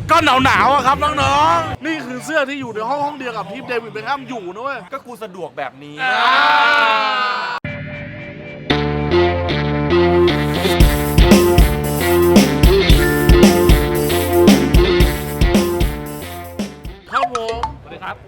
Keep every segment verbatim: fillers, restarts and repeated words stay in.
ก็หนาวหนาวครับน้องๆนี่คือเสื้อที่อยู่ในห้องห้องเดียวกับที่เดวิดเบคแฮมอยู่นะเว้ยก็กูสะดวกแบบนี้ครับผมสวัสดีครับ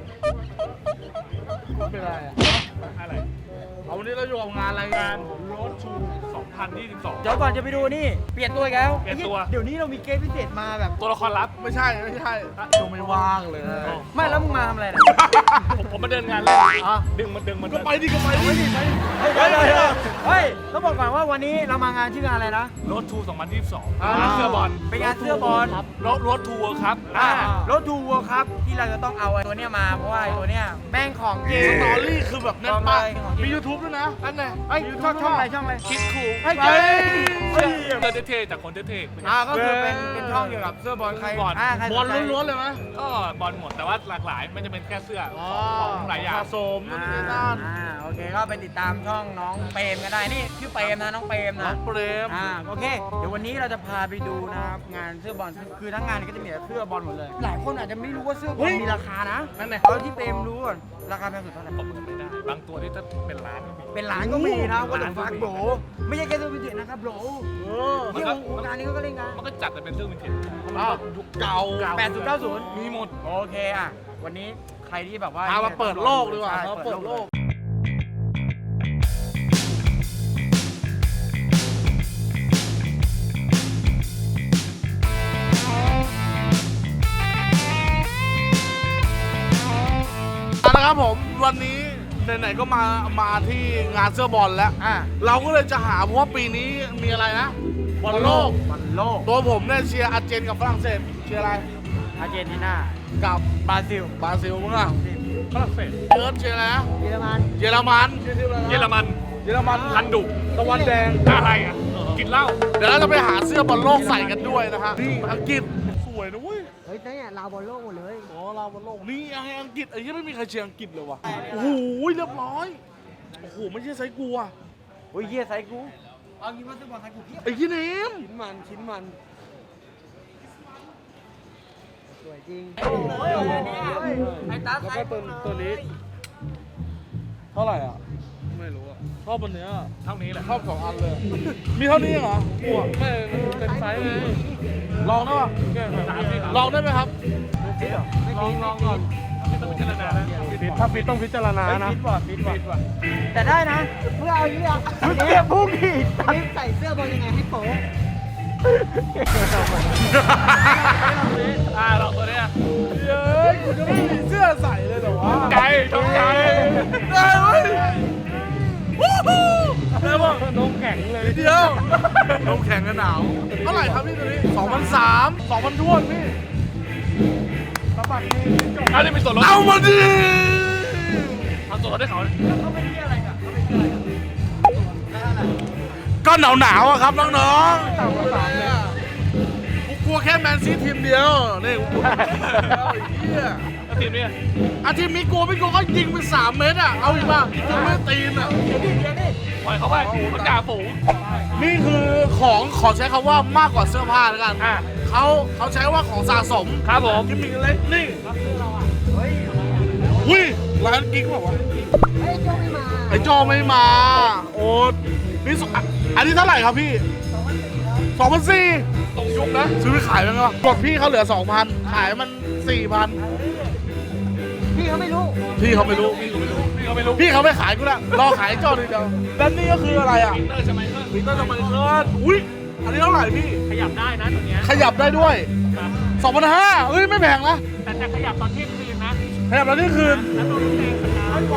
เป็นไรอะอะไรเอาวันนี้เราอยู่กับงานอะไรงานโรดชูสองพันยี่สิบสองเดี๋ยวก่อนจะไปดูนี่เปลี่ยนตัวอีกแล้วเปลี่ยนตัวเดี๋ยวนี้เรามีเกมพิเศษมาแบบตัวละครลับไม่ใช่ไม่ใช่ดูไม่ว่างเลยไม่แล้วมึงมาทำอะไรเนี่ยผมผมมาเดินงานเลยดึงมันดึงมันก็ไปดิก็ไปดิเฮ้ยเฮ้ยเฮ้ยเฮ้ยต้องบอกก่อนว่าวันนี้เรามางานชื่องานอะไรนะโรดชูสองพันยี่สิบสองงานเสื้อบอลเป็นงานเสื้อบอลโรดโรดทัวร์ครับอ่ารถทูวัวครับที่เราจะต้องเอาไอ้ตัวเนี้ยมาเพราะว่าไอ้ตัวเนี้ยแม่งของจริงสตอรี่คือแบบแน่นมากมี YouTube ด้วยนะอันไหนเฮ้ยช่องช่องอะไรช่องอะไรคิดคูลเฮ้ยเฮ้ยเฮ้ยเสื้อเท่ๆจากคนเท่ๆอ่าก็คือเป็นเป็นช่องเกี่ยวกับเสื้อบอลใครบอลอ่าใครบอลล้วนๆเลยไหมก็บอลหมดแต่ว่าหลากหลายไม่จะเป็นแค่เสื้อของหลายอย่างสะสมอ่านู่นนี่นั่นอ่าโอเคก็ไปติดตามช่องน้องเปรมกันได้นี่ชื่อเปรมนะน้องเปรมน้อนะงเปรมอ่าโอเคเดี๋ยววันนี้เราจะพาไปดูนะครับงานเสื้อบอลคือทั้งงานก็จะมีแต่เสื้อบอลหมดเลย หลายคนอาจจะไม่รู้ว่าเสื้อบอลมีราคานะนั่นไงเอาที่เปรมรู้ก่อนราคาแพงสุดเท่าไหร่ผมจำไม่ได้บางตัวที่ถ้าเป็นล้านก็มีเป็นล้านก็มีนะก็ต้องล้านก็ฟักมีโบรไม่ใช่แค่เสื้อวินเทจนะครับโบรเออที่วงการนี้ก็เล่นกันมันก็จัดแต่เป็นเสื้อวินเทจอ้าวยุคเก่าแปดศูนย์เก้าศูนย์มีหมดโอเคอ่ะวันนี้ใครที่แบบว่าเอามาเปิดโลกดีกว่าใช่มาเปิดโลกนะครับผมวันนี้ไหนๆก็มามาที่งานเสื้อบอลแล้วอ่ะเราก็เลยจะหาเพราะว่าปีนี้มีอะไรนะบอลโลกบอลโลกตัวผมเนี่ยเชียร์อาร์เจนกับฝรั่งเศสเชียร์อะไรอาร์เจนตินากับบราซิลบราซิลมั้งอ่ะฝรั่งเศสเอิร์ธเชียร์อะไรนะเยอรมันเยอรมันเชียร์ทีมอะไรนะเยอรมันเยอรมันคันดุตะวันแดงอะไรอ่ะกินเหล้าเดี๋ยวเราจะไปหาเสื้อบอลโลกใส่กันด้วยนะฮะนี่อังกฤษสวยนะเว้ยเฮ้ยเนี่ยลาวบอลโลกหมดเลยอ๋อเราบอลโลกนี่ไอ้อังกฤษไอ้ยี่ไม่มีใครเชียร์อังกฤษเลยวะโอ้โหเรียบร้อยโอ้โหไม่ใช่ไซส์กูอ่ะโอ้ยเยี่ยไซกู เอางี้ว่าซื้อบอลไซกูเพียบไอ้ยี่เนมชิ้นมันชิ้นมันสวยจริงไอ้ตาไซกูตัวนี้เท่าไหร่อ่ะไม่รู้อ่ะชอบอันเนี้ยเท่านี้แหละชอบสองอันเลยมีเท่านี้เหรอกูอ่ะไม่เป็นไซส์ไงลองได้ป่ะลองได้ไหมครับลองลองก่อนไม่ต้องพิจารณานะถ้าฟิตต้องพิจารณานะฟิตว่ะฟิตว่ะแต่ได้นะเพื่อเอาอย่างนี้อ่ะเนี่ยพุ่งอีกนี่ใส่เสื้อบอลยังไงให้โป๊ะอ่าลองตัวเนี้ยเย้ยกูจะไม่มีเสื้อใส่เลยเหรอวะใจชอบใจได้เว้ยวู้ฮู้ได้ป่ะนมแข็งเลยเดียวลมแข็งกันหนาวเท่าไหร่ครับพี่ตัวนี้สองพันสามสองพันทวนพี่สบัดนี่เอาได้เป็นส่วนลดเอามาดิเอาส่วนลดให้เขาเขาเป็นที่อะไรกันเขาเป็นที่อะไรกันก็หนาวหนาวอะครับน้องๆต่างกันสามเนี่ยกูกลัวแค่แมนซีทีมเดียวนี่กูกลัวทีมเดียวไอ้เหี้ยแล้วทีมนี้อาทีมมีกลัวไม่กลัวก็ยิงไปสามเมตรอะเอาอีกป่ะยิงไม่ตีนอะปล่อยเขาไปเขาจ่าฝูงนี่คือของขอใช้คำว่ามากกว่าเสื้อผ้าแล้วกันอ่ะเขาเขาใช้ว่าของสะสมครับผมกิมมิคเล็กนี่อุ้ยร้านกิ๊กบอกว่าไอ้โจไม่มาโอ้นี่สอันนี้เท่าไหร่ครับพี่สองพันสี่ตรงยุคนะซื้อไปขายมั้งวะกดพี่เขาเหลือสองพันขายมันสี่พันพี่เขาไม่รู้พี่เขาไม่รู้พี่เขาไม่รู้พี่เขาไม่ขายกูละรอขายไอ้โจทีเดียวแล้วนี่ก็คืออะไรอ่ะเตอร์ใช่ไหมเออมิเตอร์จะมาเคิร์ดอุ้ยอันนี้เท่าไหร่พี่ขยับได้นะตัวเนี้ยขยับได้ด้วยสองพันห้าเฮ้ยไม่แพงนะแต่จะขยับตอนเที่ยงคืนนะขยับแล้วนี่คืนแล้วตัวลูกแดงสัญญาณ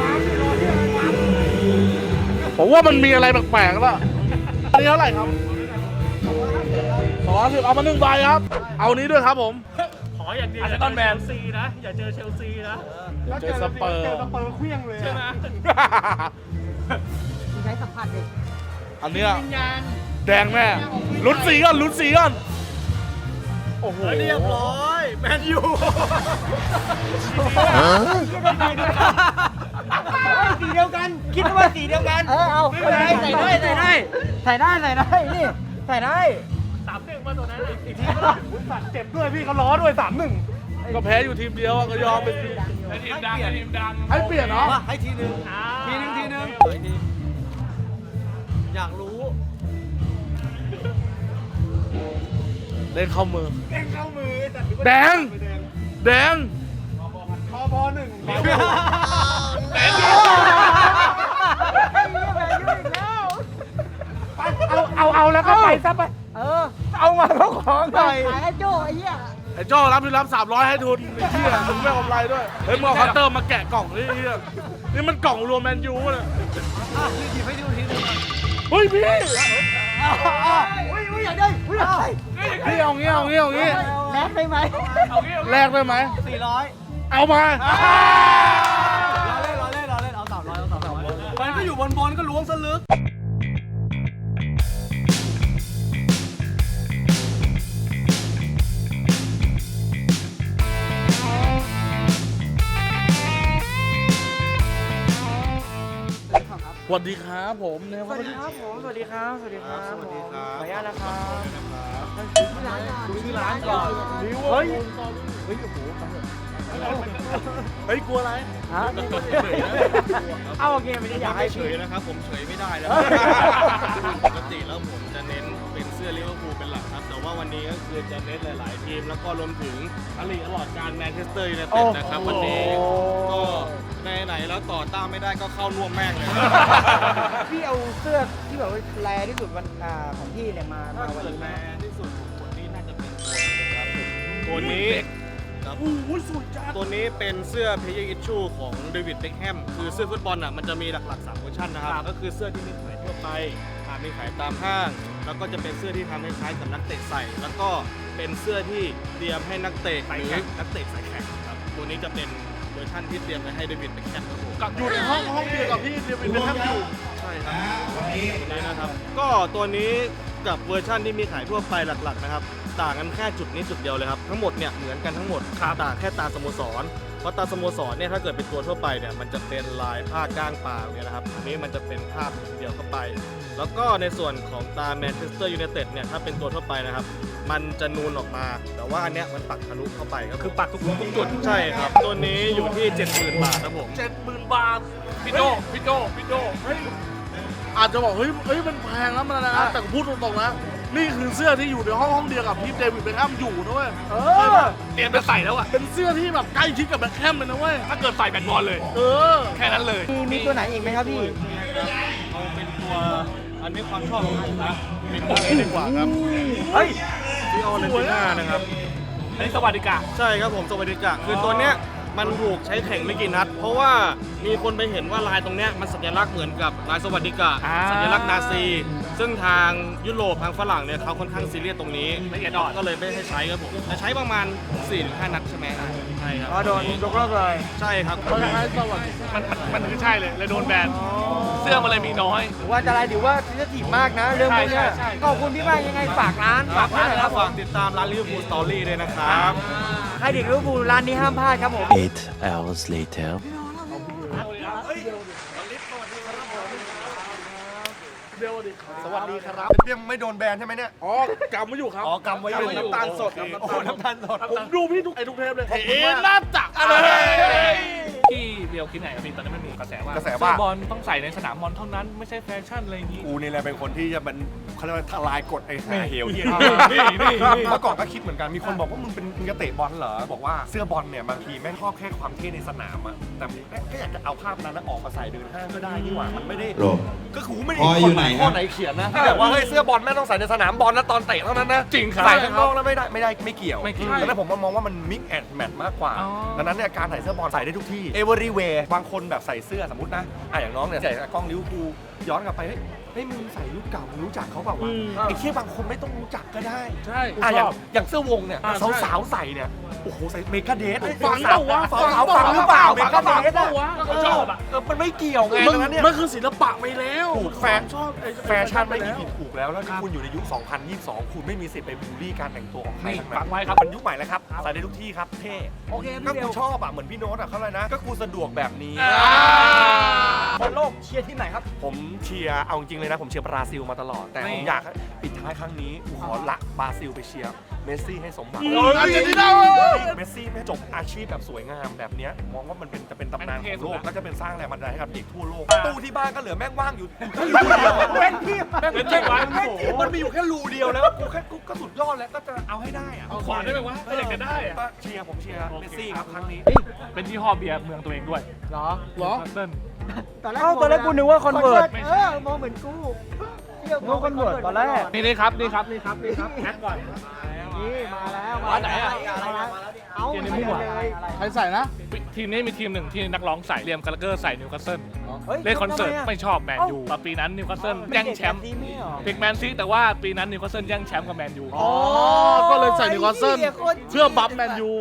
ผมว่ามันมีอะไรแปลกๆแล้วอันนี้เท่าไหร่ครับสองร้อยสิบเอามาหนึ่งใบครับ เอานี้ด้วยครับผมขออย่างเดียวอย่าเจอเชลซีนะอย่าเจอเชลซีนะเจอสเปอร์เจอสเปอร์เคลี้ยงเลยใช่ไหมใช้สัมผัสเด็กอันเนี้ยแดงแม่ลุ้นสีก่อนลุ้นสีก่อนโอ้โหเรียบร้อยแมนยูสีเดียวกัน คิดว่าสีเดียวกัน เออเอาไม่เป็นไรใส่ได้ใส่ได้ใส่ได้ใส่ได้นี่ใส่ได้สามหนึ่งมาป่ะตัวนั้นอีกทีก็ได้สัตว์เจ็บด้วยพี่เขาล้อด้วยสามหนึ่งก็แพ้อยู่ทีมเดียวอะก็ยอมเป็นทีมทีมดังทีมดังให้เปลี่ยนเนาะให้ทีนึงอ่าทีนึงทีนึงอยากรู้เล่นเข้ามือเด้งเข้ามือแต่แดง แดงพอพอหนึ่งแดงเอาเอาเอาแล้วก็ไปซะไปเออเอามาแล้วของหน่อยขายไอ้โจ้ไอ้เหี้ยไอ้โจ้รับที่รับสามร้อยให้ทุนไอ้เหี้ยมึงไม่กำไรด้วย เฮ้ยมึงเอาคัตเตอร์มาแกะกล่องนี่เหี้ยนี่มันกล่องรวมแมนยูเลยอ่ะหยิบให้ดูทีนึงเฮ้ยพี่อุ้ยอุ้ยอยากได้อุ้ยอยากได้พี่เอางี้เอางี้เอางี้แลกได้ไหมเอางี้แลกได้ไหมสี่ร้อยเอามาเราเล่นเราเล่นเราเล่นเอาสามร้อยเอาสามร้อยมันก็อยู่บนบอลก็ล้วงซะลึกสวัสดีครับผมเนี่ยสวัสดีครับผมสวัสดีครับสวัสดีครับสวัสดีครับขออนุญาตนะครับดูที่ร้านก่อนเฮ้ย เฮ้ย โอ้โหเฮ้ย กลัวอะไรฮะเอาโอเคไม่ได้อยากให้เฉยนะครับผมเฉยไม่ได้แล้ว ปกติแล้วผมจะเน้นเป็นเสื้อลิเวอร์พูลเป็นหลักครับ แต่ว่าวันนี้ก็คือจะเน้นหลายๆทีม แล้วก็รวมถึงอลีตลอดการแมนเชสเตอร์ยูไนเต็ดนะครับวันนี้ก็ไหนๆแล้วต่อต้านไม่ได้ก็เข้าร่วมแม่งเลยพี่เอาเสื้อที่แบบว่าแรที่สุดวันอ่าของพี่เนี่ยมาถ้ามาวันเกิดนี้แมนะนที่สุดของคนนี้น่าจะเป็นตัวนี้ครับตัวนี้ครับโอ้ยสวยจังตัวนี้เป็นเสื้อ Player Issue ของเดวิดเบ็คแฮมคือเสื้อฟุตบอลอ่ะมันจะมีหลักๆสามเวอร์ชันนะครับ ก็คือเสื้อที่มีขายทั่วไปอ่ามีขายตามห้าง แล้วก็จะเป็นเสื้อที่ทำให้คล้ายกับนักเตะใส่ แล้วก็เป็นเสื้อที่เตรียมให้นักเตะหรือนักเตะสายแข่งครับตัวนี้จะเป็นเวอร์ชันที่เตรียมไว้ให้เดวิดเบ็คแฮมครับผมกับอยู่ในห้องห้องเดียวกับพี่เดวิดเบคแฮมอยู่ใช่ครับตัวนี้นะครับ ก็ตัวนี้กับเวอร์ชันที่มีขายทั่วไปหลักๆนะครับ ต่างกันแค่จุดนี้จุดเดียวเลยครับ ทั้งหมดเนี่ยเหมือนกันทั้งหมดต่างแค่ตาสโมสร เพราะตาสโมสรเนี่ยถ้าเกิดเป็นตัวทั่วไปเนี่ยมันจะเป็นลายผ้าก้างปลาเนี่ยนะครับ อันนี้มันจะเป็นภาพเดียวเข้าไป แล้วก็ในส่วนของตาแมนเชสเตอร์ยูไนเต็ดเนี่ยถ้าเป็นตัวทั่วไปนะครับ มันจะนูนออกมา แต่ว่าอันเนี้ยมันปักทะลุเข้าไปครับคือปักทุกทุกจุดใช่ครับ ตัวนี้อยู่ที่ เจ็ดหมื่น บาทครับผมเจ็ดหมื่นบาทพี่โจพี่โจพี่โจเฮ้ย อาจจะบอกเฮ้ยเฮ้ย มันแพงแล้วมันนะ แต่พูดตรงๆนะ นี่คือเสื้อที่อยู่ในห้องห้องเดียวกับที่เดวิดเบคแฮมอยู่นะเว้ยเออเตรียมจะใส่แล้วอ่ะเป็นเสื้อที่แบบใกล้ชิดกับแบคแฮมเลยนะเว้ยถ้าเกิดใส่แบตบอลเลยเออแค่นั้นเลยมีมีตัวไหนอีกไหมครับพี่เอาเป็นตัวอันนี้ความชอบของผมนะเป็นตัวนี้ดีกว่าครับเฮ้ยซีโอเลนติน่านะครับอันนี้สวัสดิการใช่ครับผมสวัสดิกะคือตัวเนี้ยมันถูกใช้แข่งไม่กี่นัด เพราะว่ามีคนไปเห็นว่าลายตรงเนี้ยมันสัญลักษณ์เหมือนกับลายสวัสดิกะอ่าสัญลักษณ์นาซี ซึ่งทางยุโรปทางฝรั่งเนี่ยเขาค่อนข้างซีเรียสตรงนี้ละเอียดอ่อนก็เลยไม่ให้ใช้ครับผมจะใช้ประมาณ สี่ถึงห้า นัดใช่ไหมใช่ครับอ๋อโดนยกเลิกเลยใช่ครับมันคล้ายๆสวัสดีมันมันมันคือใช่เลยเลยโดนแบนเสื้อมันเลยมีน้อยถือว่าอันตรายถือว่าซีทีฟมากนะเรื่องพวกเนี้ยใช่ใช่ใช่ขอบคุณพี่มากยังไงฝากร้านฝากร้านหน่อยครับผมฝากติดตามร้านลิเวอร์พูลสตอรี่ด้วยนะครับใครเด็กลิเวอร์พูลร้านนี้ห้ามพลาดครับผม Eight hours later. เดียวดิสวัสดีครับยังไม่โดนแบนใช่ไหมเนี่ยอ๋อกำไว้อยู่ครับอ๋อกำไว้อยู่เป็นน้ำตาลสดครับโอ้โหน้ำตาลสดผมดูพี่ทุกไอ้ทุกเทปเลยเอ๊ะน่าจักอะไรที่เดียวคิดไหนกับพี่ตอนนั้นมันมีกระแสว่ากระแสว่าเสื้อบอลต้องใส่ในสนามบอลเท่านั้นไม่ใช่แฟชั่นอะไรอย่างนี้กูนี่แหละเป็นคนที่จะมันเขาเรียกว่าทลายกฎไอ้หาเฮลเหียนี่นี่นี่เมื่อก่อนก็คิดเหมือนกันมีคนบอกว่ามึงเป็นมึงจะเตะบอลเหรอบอกว่าเสื้อบอลเนี่ยบางทีแม่งชอบแค่ความเท่ในสนามอะแต่แม่งก็อยากจะเอาภาพนั้นนะออกมาใส่เดินห้างก็ได้นี่หว่ามันไม่ได้โรก็คือไม่ได้พออยู่ไหนข้อครับไหนเขียนนะที่แบบว่าเฮ้ยเสื้อบอลแม่งต้องใส่ในสนามบอลนะตอนเตะเท่านั้นนะจริงครับใส่ข้างนอกแล้วไม่ได้ไม่ได้ไม่เกี่ยวไม่เกี่ยวดังนั้นผมมองว่ามันมิกแอนด์แมทมากกว่าอ๋อดังนั้นเนี่ยการใส่เสื้อบอลใส่ได้ทุกที่ everywhere บางคนแบบใส่เสื้อสมมตินะอ่ะอย่างน้องเนี่ยใส่กล้องลิเวอร์พูลย้อนกลับไปเฮ้ยเฮ้ยมึงใส่รุ่นเก่ามึงรู้จักเขาเปล่าวะไอ้เที่ยบางคนไม่ต้องรู้จักก็ได้ใช่อ่ะอย่างอย่างเสื้อวงเนี่ยอ่ะใช่สาวๆใส่เนี่ยโอ้โหใส่เมกาเดทฟังเปล่าวะสาวๆฟังหรือเปล่าเมกาเดทเปล่าวะเขาชอบอ่ะเออมันไม่เกี่ยวไงมันดังนั้นเนี่ยมันคือศิลปะไปแล้วถูกแฟนชอบไอ้แฟชั่นไม่มีผิดถูกแล้วแล้วถ้าคุณอยู่ในยุค สองพันยี่สิบสอง คุณไม่มีสิทธิ์ไปบูลลี่การแต่งตัวของใครนี่ทั้งนั้นฟังไว้ครับมันยุคใหม่แล้วครับใส่ได้ทุกที่ครับเท่โอเคก็พี่เดีกูยวชอบอ่ะเหมือนพี่โน้ตอ่ะเขาเลยนะ ก็กูสะดวกแบบนี้บอลโลกเชียร์ทีมไหนครับผมเชียร์เอาจริงเลยนะผมเชียร์บราซิลมาตลอดแต่ผมอยากให้ปิดท้ายครั้งนี้กูขอละบราซิลไปเชียร์เมสซี่ให้สมหวังโอ้ยอาร์เจนตินาเมสซี่ไม่จบอาชีพแบบสวยงามแบบเนี้ยมองว่ามันเป็นจะเป็นตำนานของโลกก็จะเป็นสร้างแรงบันดาลใจให้กับเด็กทั่วโลกตู้ที่บ้านก็เหลือแม่งว่างอยู่รูเดียวเว้นที่แม่งเป็นที่วางมันมีอยู่แค่รูเดียวแล้วกูแค่กูก็สุดยอดแล้วก็จะเอาให้ได้อะขอได้ไหมวะถ้าอยากจะได้อะก็เชียร์ผมเชียร์เมสซี่ครับครั้งนี้เป็นที่ห้อเบียร์เมืองตัวเองด้วยเหรอเหรอเติ้ลตอนแรกเอ้าตอนแรกกูนึกว่าคอนเวิร์ตเออมองเหมือนกูเที่ยวนึกว่าคอนเวิร์ตตอนแรกนี่นี่ครับนี่ครับนี่ครับนี่ครับแอดก่อนนี่มาแล้วร้านไหนอะมาแล้วเอาเดี๋ยวในมั่วเลยใครใส่นะทีมนี้มีทีมหนึ่งที่นักร้องใส่เรียมกาลาเกอร์ใส่นิวคาสเซิลฮ้ยเล่นคอนเสิร์ตทำไมะไม่ชอบแมนยูแต่ปีนั้นนิวคาสเซิลแย่งแชมป์เป็นเด็กแบบนี้ไม่เหรอเด็กแมนซีแต่ว่าปีนั้นนิวคาสเซิลแย่งแชมป์กับแมนยูอ๋อ ก็เลยใส่นิวคาสเซิลไอ้เหี้ยโคตรเพื่อบัฟแมนยู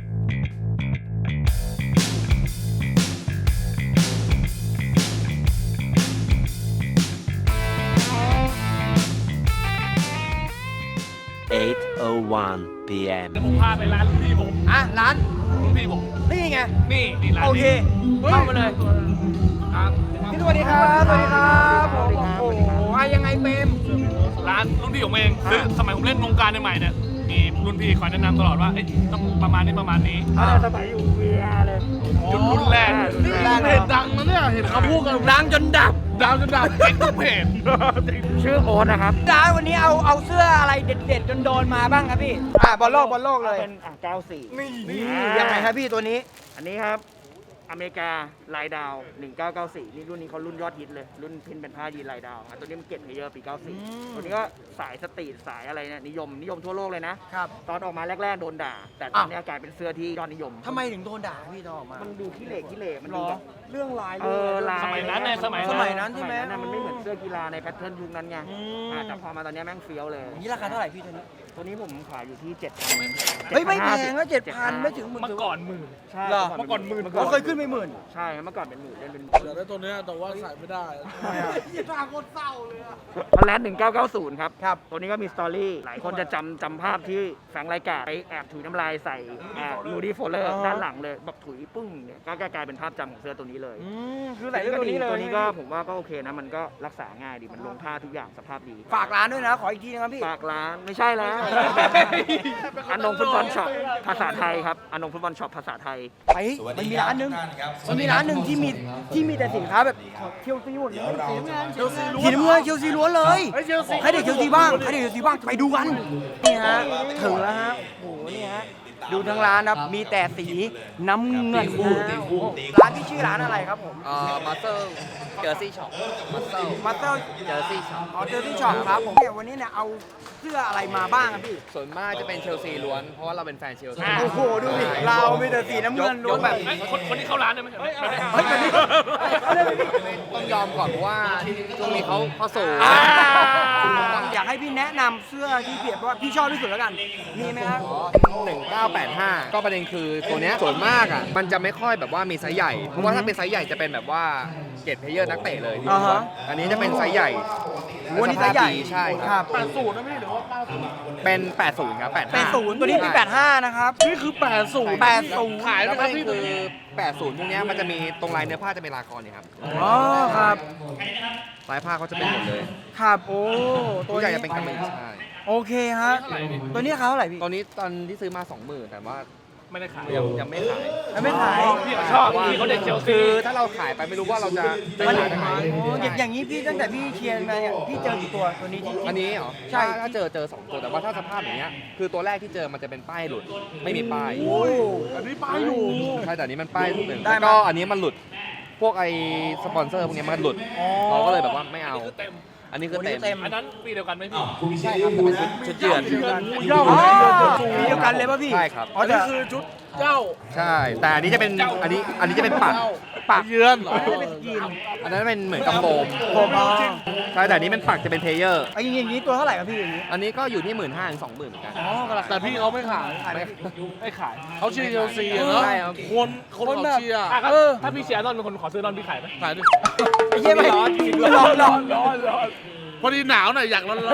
eight oh one p m เดี๋ยวผมพาไปร้านรุ่นพี่ผมอ่ะร้านรุ่นพี่ผมนี่ไงนี่นี่ร้านโอเคนี้เข้ามาเลยครับพี่สวัสดีครับสวัสดีครับผมโอ้โหอ่ะยังไงเปมร้านรุ่นพี่ผมเองคือสมัยผมเล่นวงการใหม่ๆเนี่ยมีรุ่นพี่คอยแนะนำตลอดว่าเอ้ยต้องประมาณนี้ประมาณนี้อ่าสมัยอยู่เวียเลยจุดรุ่นแรกนี่เพจดังนะเนี่ย เห็นเขาพูดกันดังจนดับดังจนดับเอ็กซ์ทุกเพจชื่อโอ๊ตนะครับร้านวันนี้เอาเอาเสื้ออะไรเด็ดๆจนโดนมาบ้างครับพี่อ่าบอลโลกบอลโลกเลยเป็นอ่ะเก้าสี่นี่ยังไงครับพี่ตัวนี้อันนี้ครับ อเมริกาลายดาว หนึ่งเก้าเก้าสี่ นี่รุ่นนี้เขารุ่นยอดฮิตเลย รุ่นพินเป็นผ้ายีนลายดาวอ่ะตัวนี้มันเก็ตเพลเยอร์ปี เก้าสี่ ตัวนี้ก็สายสตรีทสายอะไรเนี่ยนิยมนิยมทั่วโลกเลยนะครับตอนออกมาแรก ๆ โดนด่า แต่ตอนนี้กลายเป็นเสื้อที่ยอดนิยมทำไมถึงโดนด่าพี่ตอนออกมามันดูขี้เหร่ขี้เหร่มันหรดูอแบบเรื่องลายเออลายสมัยนั้นไงสมัยสนั้นมัยนั้นใช่ไหมสยนั้นมันไม่เหมือนเสื้อกีฬาในแพทเทิร์นยุคนั้นไงอืมอ่ะแต่พอมาตอนนี้แม่งเฟี้ยวเลยนี่ราคาเท่าไหร่พี่ตัวนี้ตัวนี้ผมขายอยู่ที่เจ็ดพันเฮ้ยไม่แพงนะเจ็ดพันไม่ถึงหมื่นเมื่อก่อนหมื่นใช่เหรอเมื่อก่อนหมื่นเราเคยขึ้นไปหมื่นใช่เมื่อก่อนเป็นหมื่นเล่นเป็นเหลือได้ตัวเนี้ยแต่ว่าใส่ไม่ได้ยี่ห้าโคตรเศร้าเลยอะฮอลแลนด์หนึ่งเก้าเก้าศูนย์ครับครับตัวนี้ก็มีสตอรี่ หลายคนจะจำจำภาพที่แฟรงค์ไรกาไปแอบถุยน้ำลายใส่ลูดี้โฟลเลอร์อ่าฮะด้านหลังเลยแบบถุยปึ้งเนี่ยก็กลายเป็นภาพจำของเสื้อตัวนี้เลยอืมคือไหลเรื่องตัวนี้เลยตัวนี้ก็ผมว่าก็โอเคนะ มันก็รักษาง่ายดี มันลงผ้าทุกอย่างสภาพดีฝากร้านด้วยนะ ขออีกทีนะครับพี่ฝากร้านไม่ใช่แล้วอันนงฟุตบอลช็อปภาษาไทยครับอันนงฟุตบอลช็อปภาษาไทยไปมันมีร้านหนึงมันมีร้านหนึ่งที่มีที่มีแต่สินค้าแบบเคียวซีหมดเลยสีน้ำเงินเคียวซีล้วนเคียวซีล้วนเลยให้เด็กเคียวซีบ้างให้เด็กเคียวซีบ้างไปดูกันนี่ฮะถึงแล้วฮะโอ้โหนี่ฮะดูทั้งร้านครับมีแต่สีน้ำเงินนะร้านที่ชื่อร้านอะไรครับผมเอ่อมาสเตอร์เจอร์ซี่ช็อปมาสเตอร์มาสเตอร์เจอร์ซี่ช็อปอ๋อเจอที่ช็อปครับผมเนี่ยวันนี้เนี่ยเอาเสื้ออะไรมาบ้างครับพี่ส่วนมากจะเป็นเชลซีล้วน เพราะว่าเราเป็นแฟนเชลซีโอ้โหดูดิเรามีแต่สีน้ำเงินล้วนแบบเอ้ยคนคนที่เข้าร้านได้ไหมเฮ้ยเฮ้ยแบบนี้เอาเลยพี่ต้องยอมก่อนเพราะว่าช่วงนี้เขาเขาสูงอ่าอยากให้พี่แนะนำเสื้อที่เพียบว่าพี่ชอบที่สุดแล้วกัน มีไหมครับหนึ่งเก้าแปดห้าก็ประเด็นคือตัวเนี้ยส่วนมากอ่ะมันจะไม่ค่อยแบบว่ามีไซส์ใหญ่ เพราะว่าถ้าเป็นไซส์ใหญ่จะเป็นแบบว่าเกรดเพลเยอร์นักเตะเลยที่อ่าฮะอันนี้จะเป็นไซส์ใหญ่วันนี้ไซส์ใหญ่ใช่คครัรับบแปดศูนย์นะพี่หรือว่าเก้าศูนย์เป็นแปดสิบครับแปดแปดศูนย์ตัวนี้เป็นแปดห้านะครับนี่คือแปดศูนย์แปดศูนย์ขายไหมแล้วคก็รับพี่คือแปดสิบพวกเนี้ยมันจะมีตรงลายเนื้อผ้าจะเป็นลากรเนี่ยครับอ๋อครับลายผ้าเขาจะเป็นหมดเลยครับโอ้ตัตัว วใหญ่นี้จะเป็นกำมะหยี่ใช่โอเคฮะตัวนี้ราคาเท่าไหร่พี่ตอนนี้ตอนที่ซื้อมาสองหมื่นแต่ว่าไม่ได้ขายยังยังไม่ขายแล้วไม่ขายพี่เขาชอบพี่เขาเด็กเชลซีคือถ้าเราขายไปไม่รู้ว่าเราจะจะมันขายได้ไหมโอ้อย่างอย่างนี้พี่ตั้งแต่พี่เชียร์มาเนี่ยพี่เจอกี่ตัวตัวนี้ที่อันนี้เหรอใช่ถ้าถ้าเจอเจอสองตัวแต่ว่าถ้าสภาพอย่างเงี้ยคือตัวแรกที่เจอมันจะเป็นป้ายหลุดไม่มีป้ายโอ้อันนี้ป้ายอยู่ใช่แต่อันนี้มันป้ายหนึ่งได้แล้วไหมก็อันนี้มันหลุดพวกไอสปอนเซอร์พวกเนี้ยมันหลุดอ๋อเราก็เลยแบบว่าไม่เอาคือเต็มอันนี้คือตัวนี้เต็มเต็มอันนั้นปีเดียวกันไหมพี่ใช่ครับแต่เป็นชุดชุดเยือนอ๋อสีเดียวกันเลยป่ะพี่ใช่ครับอ๋ออันแต่นี้คือชุดเจ้าใช่ แต่อันนี้จะเป็นอันนี้อันนี้จะเป็นปักปากเยือนเหรอไม่ได้เป็นยีนอันนั้นเป็นเหมือนกับโฟมผมอ๋อใช่แต่อันนี้เป็นปักจะเป็นเพลเยอร์ไอ้อย่างงี้ตัวเท่าไหร่ครับพี่อย่างงี้อันนี้ก็อยู่ที่หมื่นห้าถึงสองหมื่นเหมือนกันอ๋อกระแต่พี่เขาไม่ขายไม่ไม่ขายเขาเชียร์เชลซีอะเนาะใช่ครับคนคนเขาเชียร์อ่ะครับถ้าพี่เชียร์นอนเป็นคนขอซื้อนอนพี่ขายไหมขายดิไอ้เหี้ยไม่ร้อนร้อนร้อนร้อนร้อนพอดีหนาวหน่อยอยากร้อน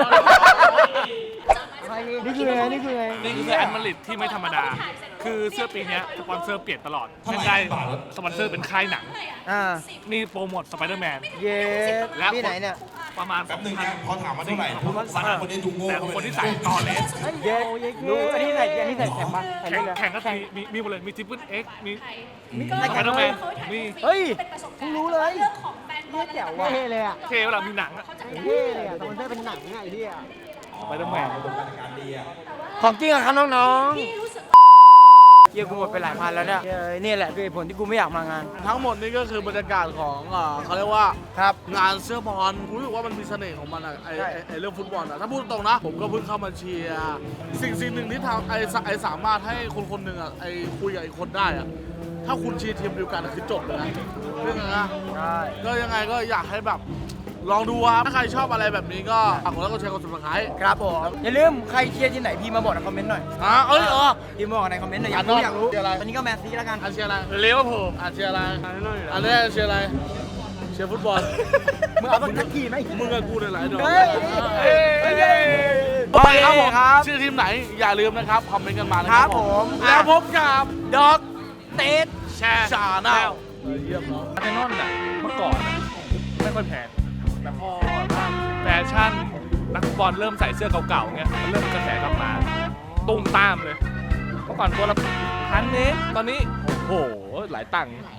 นี่คือไงนี่คือไงนี่คือแอนมาริดที่ไม่ธรรมดา คือเสื้อปีเนี้ยสปอนเซอร์เปลี่ยนตลอดเช่นได้สปอนเซอร์เป็นค่ายหนังอ่านี่โปรโมทสไปเดอร์แมนเย้และที่ไหนเนี่ยประมาณแป๊บนึงนะพอถามมาเท่าไหร่สามคนนี้ดูโง่แต่คนที่ใส่ต่อเลสเย้รู้อันนี้ใส่อันนี้ใส่แข็งปะใส่แข่งเลยแข่งก็มีมีมีหมดเลยมีทริปเปิลเอ็กมีมีแข่งทำไมมีเฮ้ยเพิ่งรู้เลยเนี่ยแจ๋วว่ะเท่เลยอ่ะเคเวลามีหนังอะเท่เลยอ่ะสปอนเซอร์เป็นหนังไงไอ้เหี้ยไปตั้งแหวนของจริงอะครับน้องๆเยี่ยกูหมดไปหลายพันแล้วเนี่ยเออนี่แหละคือเหตุผลที่กูไม่อยากมางานทั้งหมดนี้ก็คือบรรยากาศของเอ่อเขาเรียกว่าครับงานเสื้อบอลรู้สึกว่ามันมีเสน่ห์ของมันอะไอไอ้ไอเรื่องฟุตบอลอะถ้าพูดตรงนะ ผมก็เพิ่งเข้ามาเชียร์สิ่งสิ่งหนึ่งที่ทำไอไอสามารถให้คนคนหนึ่งอะไอคุยกับอีกคนได้อะถ้าคุณเชียร์ทีมเดียวกันอะคือจบเลยนะเรื่องนั้นนะใช่ก็ยังไงก็อยากให้แบบลองดูครับถ้าใครชอบอะไรแบบนี้ก็ฝากกดไลค์กดแชร์กดซับสไครต์ครับผมอย่าลืมใครเชียร์ทีมไหนพี่มาบอกในคอมเมนต์หน่อยอ่ะเอ้ยเออพี่มาบอกในคอมเมนต์หน่อยอยากรู้อ่ะอยากรู้เชียร์อะไรตอนนี้ก็แมนซีแล้วกันอันเชียร์อะไรเลเวอร์พูลอันเชียร์อะไรอันนี้เชียร์อะไรเชียร์ฟุตบอลมึงเอาสักทีไหมมึงกับกูเนี่ยหลายดอกเฮ้ยเฮ้ยเฮ้ยโอเคครับผมครับชื่อทีมไหนอย่าลืมนะครับ คอมเมนต์กันมานะคครัรับบ ผมแล้วพบกับดอกเตดแชร์ชาแนลเยี่ยมเนาะอาร์เซนอลน่ะเมื่อก่อนน่ะไม่ค่อยแพงแต่พอแฟชั่นนักฟุตบอลเริ่มใส่เสื้อเก่าๆเงี้ยมันเริ่มกระแสกลับมาตุ้มตามเลยเมื่อก่อนตัวละพันเองตอนนี้โอ้โหหลายตังค์